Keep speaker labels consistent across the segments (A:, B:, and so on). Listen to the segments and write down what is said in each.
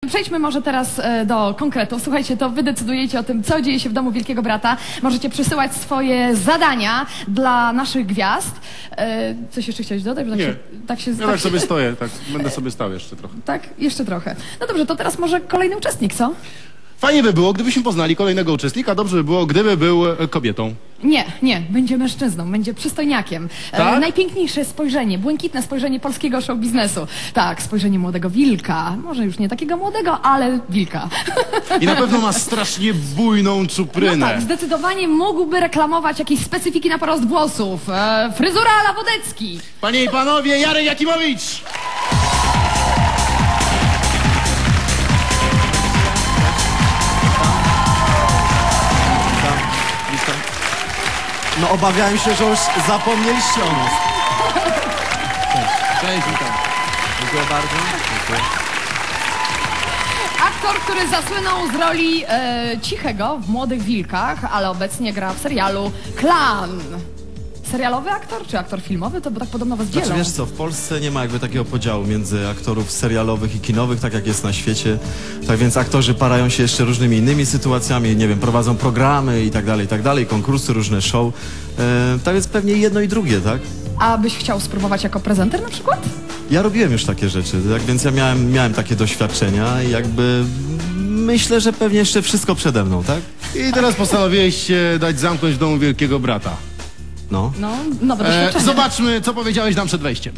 A: Przejdźmy może teraz do konkretów. Słuchajcie, to wy decydujecie o tym, co dzieje się w domu Wielkiego Brata. Możecie przysyłać swoje zadania dla naszych gwiazd. Coś jeszcze chciałeś dodać? Bo
B: Ja tak sobie stoję, tak będę sobie stał jeszcze trochę.
A: Tak? Jeszcze trochę. No dobrze, to teraz może kolejny uczestnik, co?
B: Fajnie by było, gdybyśmy poznali kolejnego uczestnika. Dobrze by było, gdyby był kobietą.
A: Nie, będzie mężczyzną, będzie przystojniakiem.
B: Tak?
A: Najpiękniejsze spojrzenie, błękitne spojrzenie polskiego show biznesu. Tak, spojrzenie młodego wilka. Może już nie takiego młodego, ale wilka.
B: I na pewno ma strasznie bujną czuprynę.
A: No tak, zdecydowanie mógłby reklamować jakieś specyfiki na porost włosów. Fryzura a la Wodecki.
B: Panie i panowie, Jarek Jakimowicz!
C: No obawiałem się, że już zapomnieliście o nas.
B: Cześć, witam.
C: Dziękuję bardzo. Dziękuję.
A: Aktor, który zasłynął z roli Cichego w Młodych Wilkach, ale obecnie gra w serialu Klan. Serialowy aktor czy aktor filmowy? To bo tak podobno was dzielą.
C: Znaczy wiesz co, w Polsce nie ma jakby takiego podziału między aktorów serialowych i kinowych, tak jak jest na świecie. Tak więc aktorzy parają się jeszcze różnymi innymi sytuacjami, nie wiem, prowadzą programy i tak dalej, konkursy, różne show. Tak więc pewnie jedno i drugie, tak?
A: A byś chciał spróbować jako prezenter na przykład?
C: Ja robiłem już takie rzeczy, tak więc ja miałem takie doświadczenia i jakby myślę, że pewnie jeszcze wszystko przede mną, tak?
B: I teraz postanowiłeś się dać zamknąć w domu Wielkiego Brata.
C: No.
A: No, nowe doświadczenie.
B: Zobaczmy, co powiedziałeś nam przed wejściem.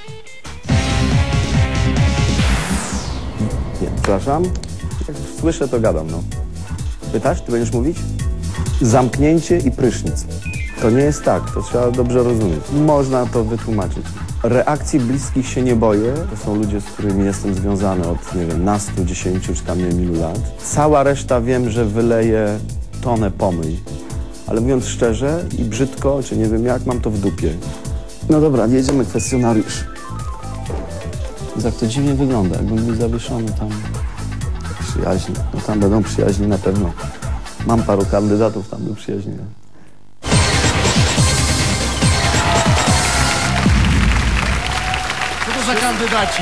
D: Nie, przepraszam. Jak słyszę, to gadam, no. Pytasz? Ty będziesz mówić? Zamknięcie i prysznic. To nie jest tak, to trzeba dobrze rozumieć. Można to wytłumaczyć. Reakcji bliskich się nie boję. To są ludzie, z którymi jestem związany od, nie wiem, nastu, 10 czy tam nie wiem ilu lat. Cała reszta wiem, że wyleje tonę pomyj. Ale mówiąc szczerze i brzydko, czy nie wiem jak, mam to w dupie. No dobra, jedziemy kwestionariusz. Jak to dziwnie wygląda, jakbym był zawieszony tam. Przyjaźni. No tam będą przyjaźni na pewno. Mam paru kandydatów tam do przyjaźni.
B: Co to za kandydaci?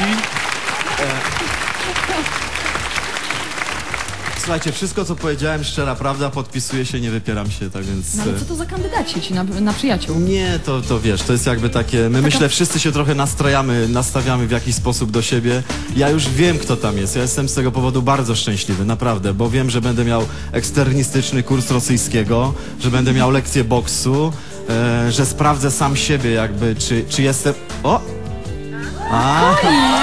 C: Słuchajcie, wszystko co powiedziałem, szczera prawda, podpisuję się, nie wypieram się, tak więc...
A: No ale co to za kandydaci ci na przyjaciół?
C: Nie, to wiesz, to jest jakby takie... My myślę, wszyscy się trochę nastawiamy w jakiś sposób do siebie. Ja już wiem, kto tam jest. Ja jestem z tego powodu bardzo szczęśliwy, naprawdę, bo wiem, że będę miał eksternistyczny kurs rosyjskiego, że będę miał lekcję boksu, że sprawdzę sam siebie jakby, czy jestem... O! A!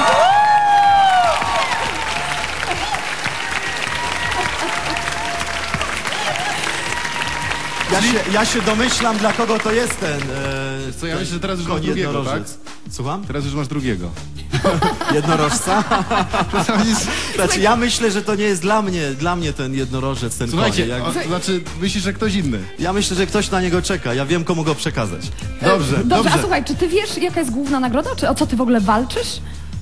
C: Ja się domyślam, dla kogo to jest ten...
B: Co, ja myślę, że teraz już masz
C: koń
B: drugiego, tak?
C: jednorożec. Słucham?
B: Teraz już masz drugiego.
C: Jednorożca? Znaczy, ja myślę, że to nie jest dla mnie ten jednorożec, ten
B: Słuchajcie,
C: koń.
B: to znaczy myślisz, że ktoś inny.
C: Ja myślę, że ktoś na niego czeka. Ja wiem, komu go przekazać.
B: Dobrze.
A: A słuchaj, czy ty wiesz, jaka jest główna nagroda? Czy o co ty w ogóle walczysz?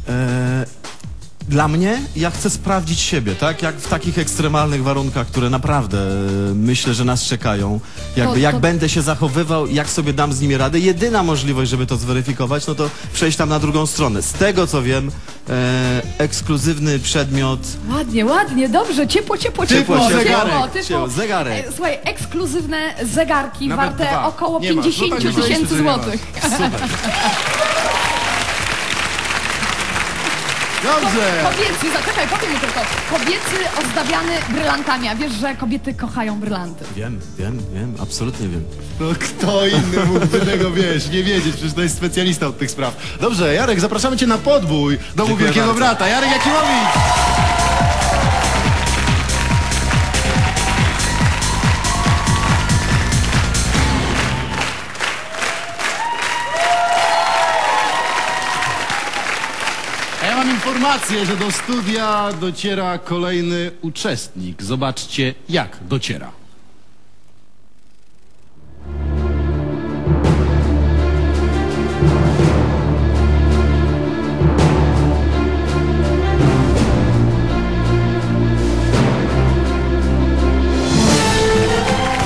C: Dla mnie, ja chcę sprawdzić siebie, tak? Jak w takich ekstremalnych warunkach, które naprawdę myślę, że nas czekają. Jak będę się zachowywał, jak sobie dam z nimi radę. Jedyna możliwość, żeby to zweryfikować, no to przejść tam na drugą stronę. Z tego, co wiem, ekskluzywny przedmiot...
A: Ładnie, dobrze, ciepło,
C: zegarek.
A: Słuchaj, ekskluzywne zegarki
B: Nawet
A: warte
B: dwa.
A: około
B: Nie masz.
A: 50
B: No tak,
A: tysięcy
B: myśleliście, że nie
A: złotych.
B: Super. Dobrze.
A: Kobiecy, zaczekaj, powiem mi tylko. Kobiecy ozdabiany brylantami, a wiesz, że kobiety kochają brylanty.
C: Wiem, absolutnie wiem.
B: No kto inny mógłby tego, nie wiedzieć, przecież to jest specjalista od tych spraw. Dobrze, Jarek, zapraszamy cię na podbój domu
C: Dziękuję
B: Wielkiego
C: bardzo.
B: Brata. Jarek Jakimowicz! A ja mam informację, że do studia dociera kolejny uczestnik. Zobaczcie, jak dociera.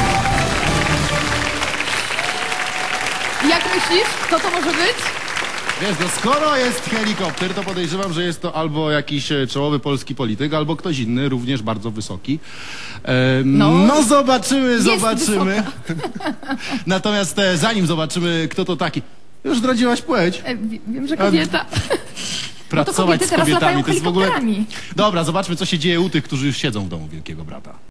A: Jak myślisz, kto to może być?
B: Wiesz, no skoro jest helikopter, to podejrzewam, że jest to albo jakiś czołowy polski polityk, albo ktoś inny, również bardzo wysoki. No zobaczymy. Natomiast zanim zobaczymy, kto to taki... Już zdradziłaś płeć.
A: Wiem, że kobieta.
B: Pracować
A: kobiety
B: z
A: teraz
B: kobietami
A: latają
B: to jest w ogóle...
A: helikopterami.
B: Dobra, zobaczmy, co się dzieje u tych, którzy już siedzą w domu Wielkiego Brata.